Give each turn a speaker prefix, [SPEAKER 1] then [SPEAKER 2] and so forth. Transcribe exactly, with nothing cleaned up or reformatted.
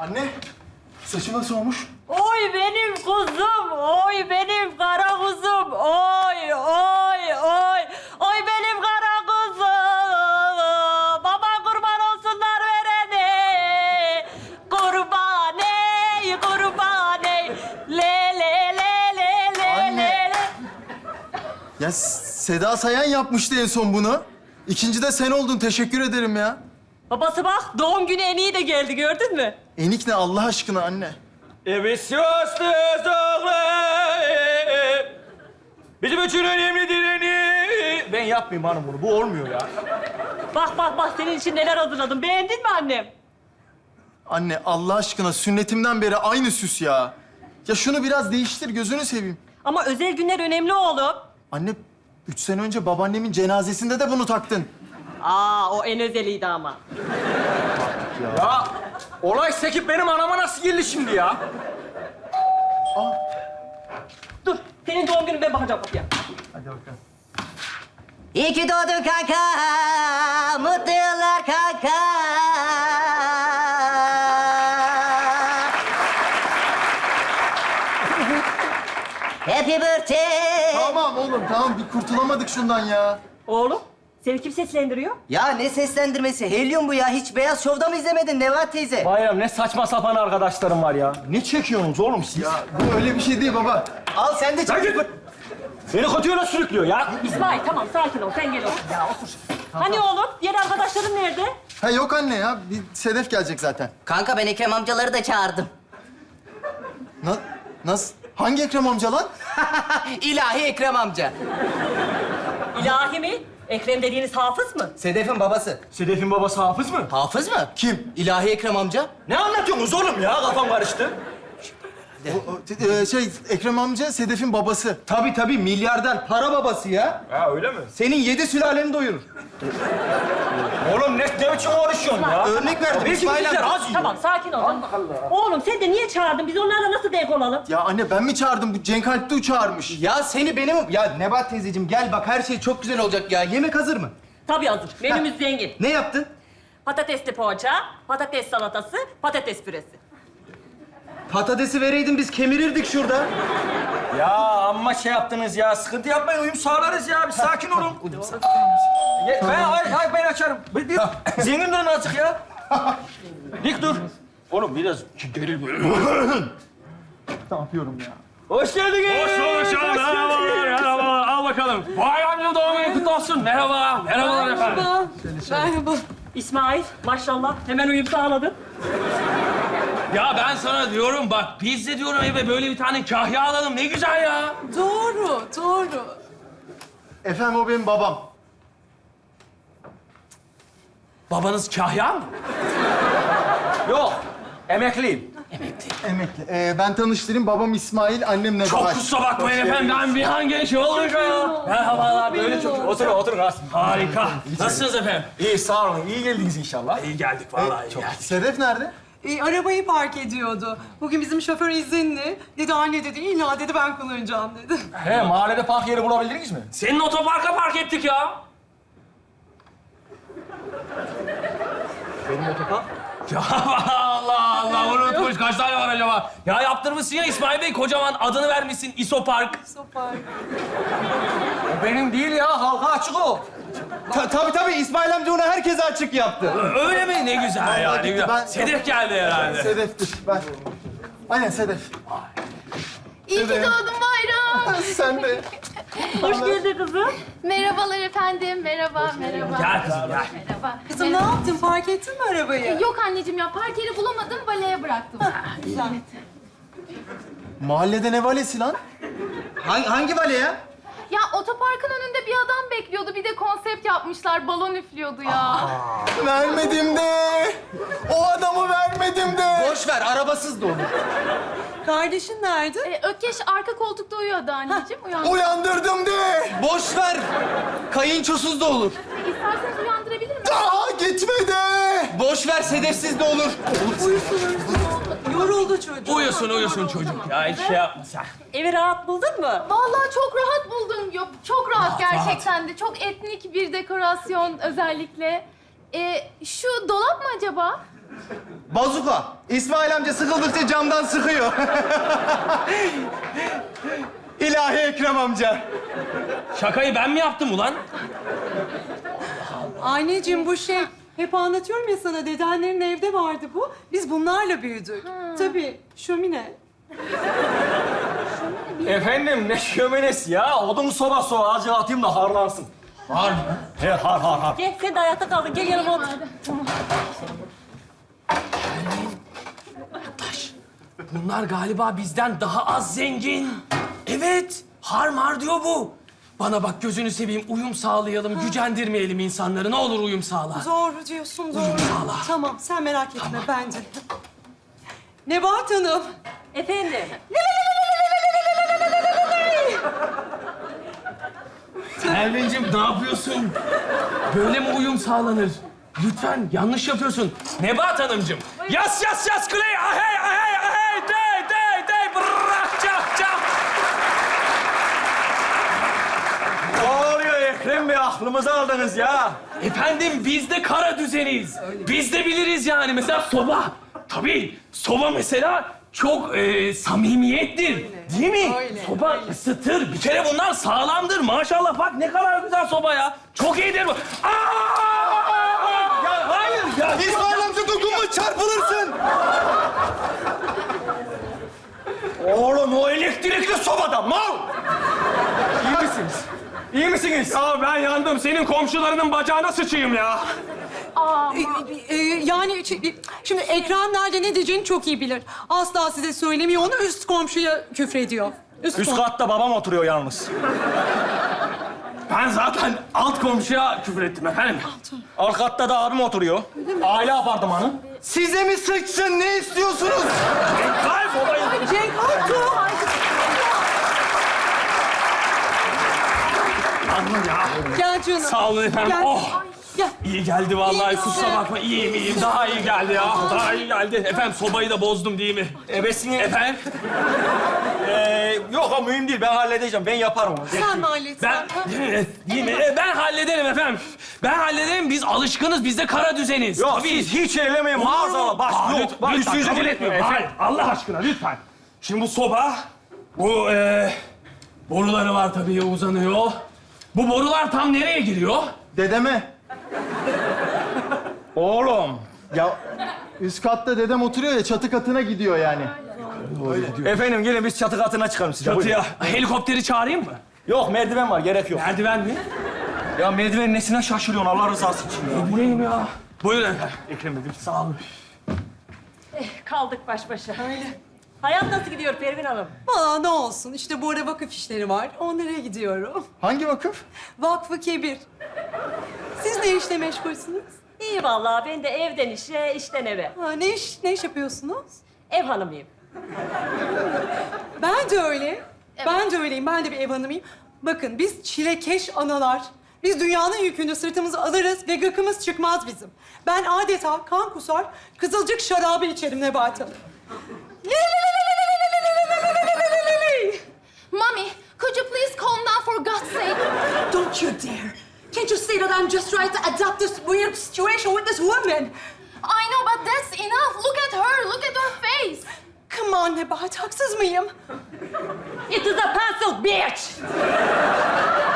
[SPEAKER 1] Anne, saçı nasıl olmuş?
[SPEAKER 2] Oy benim kuzum, oy benim kara kuzum, oy, oy, oy, oy benim kara kuzum. Baba kurban olsunlar verene, kurban ey, kurban ey, le le le le le
[SPEAKER 1] Anne.
[SPEAKER 2] le le.
[SPEAKER 1] Ya Seda Sayan yapmıştı en son bunu. İkinci de sen oldun, teşekkür ederim ya.
[SPEAKER 2] Babası bak, doğum günü en iyi de geldi, gördün mü?
[SPEAKER 1] Enik ne Allah aşkına anne?
[SPEAKER 3] Evet, Sivas'tayız oğlum. Bizim için önemli direni. Ben yapmayayım hanım bunu, bu olmuyor ya.
[SPEAKER 2] Bak bak bak, senin için neler hazırladım, beğendin mi annem?
[SPEAKER 1] Anne Allah aşkına sünnetimden beri aynı süs ya. Ya şunu biraz değiştir, gözünü seveyim.
[SPEAKER 2] Ama özel günler önemli oğlum.
[SPEAKER 1] Anne, üç sene önce babaannemin cenazesinde de bunu taktın.
[SPEAKER 2] Aa, o en özeliydi ama.
[SPEAKER 3] Ya olay sekip benim anama nasıl geldi şimdi ya?
[SPEAKER 2] Dur, senin doğum günün, ben bakacağım kapıya.
[SPEAKER 1] Hadi bakalım.
[SPEAKER 4] İyi ki doğdun kanka, mutlu yıllar kanka. Happy birthday.
[SPEAKER 1] Tamam oğlum, tamam. Bir kurtulamadık şundan ya.
[SPEAKER 2] Oğlum, seni kim seslendiriyor?
[SPEAKER 4] Ya ne seslendirmesi? Helyum bu ya. Hiç Beyaz Şov'da mı izlemedin Nevat teyze?
[SPEAKER 3] Bayram ne saçma sapan arkadaşlarım var ya. Ne çekiyorsunuz oğlum siz?
[SPEAKER 1] Ya bu öyle bir şey değil baba.
[SPEAKER 4] Al sen de
[SPEAKER 3] Sen
[SPEAKER 4] çek.
[SPEAKER 3] git. Beni kötü yola sürüklüyor ya.
[SPEAKER 2] İsmail, tamam sakin ol, sen gel otur ya, otur. Hani oğlum, diğer arkadaşların nerede?
[SPEAKER 1] Ha yok anne ya, bir Sedef gelecek zaten.
[SPEAKER 4] Kanka ben Ekrem amcaları da çağırdım.
[SPEAKER 1] Na nasıl? Hangi Ekrem amca lan?
[SPEAKER 4] İlahi Ekrem amca.
[SPEAKER 2] İlahi mi? Ekrem dediğiniz hafız mı?
[SPEAKER 4] Sedef'in babası.
[SPEAKER 3] Sedef'in babası Hafız mı?
[SPEAKER 4] Hafız mı?
[SPEAKER 1] Kim?
[SPEAKER 4] İlahi Ekrem amca.
[SPEAKER 3] Ne anlatıyorsunuz oğlum ya? Kafam karıştı.
[SPEAKER 1] O, o, e, şey, Ekrem amca Sedef'in babası.
[SPEAKER 5] Tabii tabii milyarder, para babası ya.
[SPEAKER 3] Ha öyle mi?
[SPEAKER 5] Senin yedi sülaleni doyurur.
[SPEAKER 3] Oğlum ne, ne biçim konuşuyorsun ya?
[SPEAKER 5] Örnek verdim
[SPEAKER 3] Belki
[SPEAKER 5] İsmail
[SPEAKER 3] bizimkiler
[SPEAKER 5] amca.
[SPEAKER 3] az yiyor.
[SPEAKER 2] Tamam, sakin ol. Allah Allah. Oğlum, sen de niye çağırdın? Biz onlarla nasıl denk olalım?
[SPEAKER 1] Ya anne ben mi çağırdım? Bu Cenk Alp'te çağırmış.
[SPEAKER 5] Ya seni benim... Ya Nebahat teyzeciğim gel bak her şey çok güzel olacak ya. Yemek hazır mı?
[SPEAKER 2] Tabii hazır. Menümüz zengin.
[SPEAKER 5] Ne yaptın?
[SPEAKER 2] Patatesli poğaça, patates salatası, patates püresi.
[SPEAKER 5] Patatesi vereydin biz kemirirdik şurada.
[SPEAKER 3] Ya amma şey yaptınız ya. Sıkıntı yapmayın, uyum sağlarız ya. Bir sakin olun. Ye- ben, ay, ay, ben açarım. Bir, bir, zengin durun azıcık ya. Dik dur. Oğlum biraz geril böyle.
[SPEAKER 1] Ne yapıyorum ya?
[SPEAKER 3] Hoş geldiniz.
[SPEAKER 6] Hoş bulduk canım. Merhabalar, merhabalar. Al bakalım. Vay amca doğum günü kutlu olsun. Merhaba, merhabalar efendim.
[SPEAKER 2] Merhaba. İsmail, maşallah hemen uyum sağladın.
[SPEAKER 6] Ya ben sana diyorum bak, biz de diyorum eve böyle bir tane kahya alalım. Ne güzel ya.
[SPEAKER 7] Doğru, doğru.
[SPEAKER 1] Efendim o benim babam.
[SPEAKER 6] Babanız kahya mı?
[SPEAKER 3] Yok, emekliyim.
[SPEAKER 1] Emekli. Ee, ben tanıştırayım. Babam İsmail, annem Nebahat.
[SPEAKER 6] Çok kusura bakmayın efendim. Ben bir an genç olunca ya. Merhabalar, böyle çok...
[SPEAKER 3] Oturun, oturun Rasim.
[SPEAKER 6] Harika. Nasılsınız efendim?
[SPEAKER 3] İyi, sağ olun. İyi geldiniz inşallah.
[SPEAKER 6] İyi geldik vallahi. iyi geldik.
[SPEAKER 1] Sedef nerede?
[SPEAKER 7] E, arabayı park ediyordu. Bugün bizim şoför izinli. Dedi anne dedi, illa dedi ben kullanacağım dedi.
[SPEAKER 3] He, mahallede park yeri bulabildiniz mi?
[SPEAKER 6] Senin otoparka park ettik ya.
[SPEAKER 3] Benim otopark.
[SPEAKER 6] Ya Allah Allah, unutmuş. Kaç tane var acaba? Ya yaptırmışsın ya İsmail Bey, kocaman adını vermişsin İsopark.
[SPEAKER 7] Sopar.
[SPEAKER 3] O benim değil ya, halka açık o.
[SPEAKER 5] Ta tabii tabii İsmail amca onu herkese açık yaptı.
[SPEAKER 6] Öyle mi? Ne güzel ya, ne
[SPEAKER 1] gitti,
[SPEAKER 6] güzel.
[SPEAKER 1] ben-
[SPEAKER 6] Sedef geldi herhalde.
[SPEAKER 1] Sedef'tir. Ben. Aynen Sedef.
[SPEAKER 8] İyi ki doğdun Bayram.
[SPEAKER 1] Sen de.
[SPEAKER 2] Hoş geldin kızım.
[SPEAKER 8] Merhabalar efendim. Merhaba, merhaba.
[SPEAKER 6] Gel kızım gel.
[SPEAKER 8] Merhaba.
[SPEAKER 7] Kızım ne yaptın? Park ettin mi arabayı?
[SPEAKER 8] Yok anneciğim ya, park yeri bulamadım, baleye bıraktım.
[SPEAKER 7] Güzel.
[SPEAKER 1] Mahallede ne valesi lan?
[SPEAKER 5] Hangi, hangi vale ya?
[SPEAKER 8] Ya otoparkın önünde bir adam bekliyordu. Bir de konsept yapmışlar, balon üflüyordu ya.
[SPEAKER 1] Vermedim de. O adamı vermedim de.
[SPEAKER 5] Boş ver arabasız da olur.
[SPEAKER 7] Kardeşin nerede?
[SPEAKER 8] Ee, Ökkeş arka koltukta uyuyordu anneciğim. Uyandı.
[SPEAKER 1] Uyandırdım de.
[SPEAKER 5] Boş ver. Kayınçosuz da olur.
[SPEAKER 8] İsterseniz uyandırabilir miyim?
[SPEAKER 1] Daha gitme de.
[SPEAKER 5] Boş ver sedefsiz de olur.
[SPEAKER 7] Yoruldu çocuk.
[SPEAKER 6] Uyusun uyusun çocuk ya, hiç şey yapma sen.
[SPEAKER 2] Evi rahat buldun mu?
[SPEAKER 8] Vallahi çok rahat buldum. Yok, çok rahat gerçekten de. Çok etnik bir dekorasyon özellikle. Ee, şu dolap mı acaba?
[SPEAKER 5] Bazuka. İsmail amca sıkıldıkça camdan sıkıyor. İlahi Ekrem amca.
[SPEAKER 6] Şakayı ben mi yaptım ulan?
[SPEAKER 7] Anneciğim bu şey, hep anlatıyorum ya sana, dedenlerin evde vardı bu. Biz bunlarla büyüdük. Tabii, şömine.
[SPEAKER 3] Efendim ne şöminesi ya? Odun sobası o. Azıcık atayım da harlansın.
[SPEAKER 6] Har mı?
[SPEAKER 3] He har har har.
[SPEAKER 2] Gel sen de ayakta kaldın. Gel yanıma otur.
[SPEAKER 6] Bunlar galiba bizden daha az zengin. Evet, har mar diyor bu. Bana bak gözünü seveyim, uyum sağlayalım, gücendirmeyelim insanları. Ne olur uyum sağla.
[SPEAKER 7] Doğru diyorsun, doğru.
[SPEAKER 6] sağla.
[SPEAKER 7] Tamam, sen merak etme bence. Nebahat Hanım.
[SPEAKER 2] Efendim.
[SPEAKER 6] Elvin'cim ne yapıyorsun? Böyle mi uyum sağlanır? Lütfen yanlış yapıyorsun. Nebahat Hanımcığım. Yas yas yas kuley. Ahey ahey ahey. Dey dey dey. Bırak çak çak.
[SPEAKER 3] Ne oluyor Ekrem Bey? Aklımızı aldınız ya.
[SPEAKER 6] Efendim biz de kara düzeniz. Biz de biliriz yani. Mesela soba. Tabii soba mesela çok e, samimiyettir. Değil mi? Soba ısıtır. Bir kere bunlar sağlamdır. Maşallah bak ne kadar güzel soba ya. Çok iyidir bu. Aa! Ya hayır ya.
[SPEAKER 5] İsmail amca dokunma, çarpılırsın.
[SPEAKER 3] Oğlum o elektrikli sobada mal. İyi misiniz? İyi misiniz?
[SPEAKER 6] Ya ben yandım. Senin komşularının bacağına sıçayım ya.
[SPEAKER 7] Ee, e, yani ç- şimdi Ekrem nerede ne diyeceğini çok iyi bilir. Asla size söylemiyor, onu üst komşuya küfrediyor. Üst,
[SPEAKER 3] Üst
[SPEAKER 7] kom-
[SPEAKER 3] katta babam oturuyor yalnız.
[SPEAKER 6] Ben zaten alt komşuya küfür ettim efendim.
[SPEAKER 3] Alt katta da abim oturuyor. Aile apartmanı.
[SPEAKER 5] Size mi sıçsın, ne istiyorsunuz?
[SPEAKER 6] Kaybolayım.
[SPEAKER 7] Cenk Artu.
[SPEAKER 6] Yandım ya.
[SPEAKER 7] Gel canım.
[SPEAKER 6] Sağ olun efendim.
[SPEAKER 7] Gel.
[SPEAKER 6] Oh.
[SPEAKER 7] Gel.
[SPEAKER 6] İyi geldi vallahi.
[SPEAKER 7] İyi
[SPEAKER 6] Kusura
[SPEAKER 7] misin?
[SPEAKER 6] bakma. İyiyim iyiyim. Daha iyi geldi ya. Daha iyi geldi. Efendim sobayı da bozdum değil mi?
[SPEAKER 3] Ebesini...
[SPEAKER 6] Efendim?
[SPEAKER 3] Ee, yok o mühim değil. Ben halledeceğim. Ben yaparım onu.
[SPEAKER 7] Sen mi halletsin?
[SPEAKER 6] Ben... Değil mi? E, Ben hallederim efendim. Ben hallederim. Biz alışkınız. Biz de kara düzeniz.
[SPEAKER 3] Yok
[SPEAKER 6] Tabii.
[SPEAKER 3] siz hiç ellemeyin maazallah. Bak
[SPEAKER 6] Aa,
[SPEAKER 3] yok.
[SPEAKER 6] lütfen,
[SPEAKER 3] Bak
[SPEAKER 6] lütfen,
[SPEAKER 3] üstünüze
[SPEAKER 6] kabul etmiyorum. Hayır, Allah aşkına lütfen. Şimdi bu soba, bu e, boruları var tabii uzanıyor. Bu borular tam nereye giriyor?
[SPEAKER 1] Dedeme.
[SPEAKER 3] Oğlum.
[SPEAKER 1] Ya üst katta dedem oturuyor ya, çatı katına gidiyor yani.
[SPEAKER 3] Efendim gelin biz çatı katına çıkalım size.
[SPEAKER 6] Çatıya helikopteri çağırayım mı?
[SPEAKER 3] Yok merdiven var gerek yok.
[SPEAKER 6] Merdiven mi?
[SPEAKER 3] Ya merdivenin nesine şaşırıyorsun Allah rızası için ya.
[SPEAKER 6] Bu neyim ya? Buyurun efendim. Ekrem Bey, sağ olun.
[SPEAKER 2] Kaldık baş başa. Öyle. Hayat nasıl gidiyor Pervin Hanım?
[SPEAKER 7] Valla ne olsun, işte bu ara vakıf işleri var. Onlara gidiyorum.
[SPEAKER 1] Hangi vakıf?
[SPEAKER 7] Vakfı Kebir. Siz ne işle meşgulsünüz?
[SPEAKER 2] İyi vallahi. Ben de evden işe, işten eve.
[SPEAKER 7] Ha, ne iş, ne iş yapıyorsunuz?
[SPEAKER 2] Ev hanımıyım.
[SPEAKER 7] Ben de öyle. Ben de öyleyim. Ben de bir ev hanımıyım. Bakın biz çilekeş analar. Biz dünyanın yükünü sırtımıza alırız ve gıkımız çıkmaz bizim. Ben adeta kan kusar, kızılcık şarabı içerim Nebahat Hanım.
[SPEAKER 8] Mommy, could you please calm down for God's sake?
[SPEAKER 7] Don't you dare. Can't you see that I'm just trying to adapt this weird situation with this woman?
[SPEAKER 8] I know, but that's enough. Look at her. Look at her face.
[SPEAKER 7] Come on Nebahat, haksız mıyım?
[SPEAKER 2] It is a pencil, bitch!